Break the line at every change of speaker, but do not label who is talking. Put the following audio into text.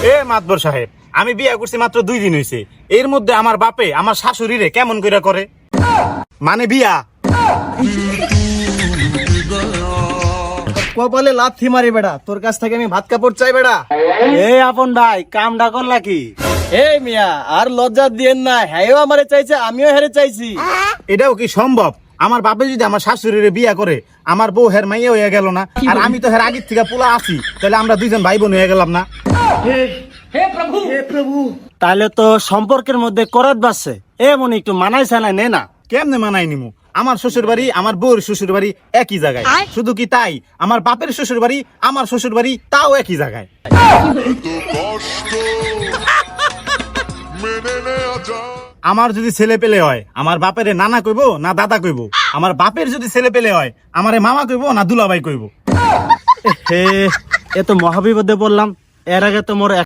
এ মাতবর সাহেব, আমি বিয়া করছি মাত্র 2 দিন হইছে, এর মধ্যে আমার বাপে আমার শাশুড়িরে কেমন কইরা করে? মানে বিয়া
কপালে লাথি মারি বেড়া, তোর কাছ থেকে আমি ভাত কাপড় চাই বেড়া।
এই আপন ভাই কামটা করলা কি?
এই মিয়া আর লজ্জা দিয়েন না, হ্যাঁ আমারে চাইছে আমিও হেরে চাইছি।
এটাও কি সম্ভব? আমার বাপে যদি আমার শাশুড়িরে বিয়া করে, আমার বউ হের মাইয়া হয়ে গেল না, আর আমি তো হের আগের থেকে পোলা আছি, তাহলে আমরা দুইজন ভাই বোন হয়ে গেলাম না?
তাহলে তো সম্পর্কের মধ্যে করাত বাসছে, এমন একটু মানাই সানাই নে না।
কেমনে মানাই নিমু? আমার শ্বশুর বাড়ি আমার বউর শ্বশুর বাড়ি একই জায়গায়, শুধু কি তাই, আমার বাপের শ্বশুর বাড়ি আমার শ্বশুর বাড়ি তাও একই জায়গায়। আমার যদি ছেলে পেলে হয়, আমার বাপের নানা কইবো না দাদা কইবো? আমার বাপের যদি ছেলে পেলে হয়, আমারে মামা কইবো না দুলাভাই কইবো?
হে, এ তো মহাবিপদে বললাম। এর আগে তো মোর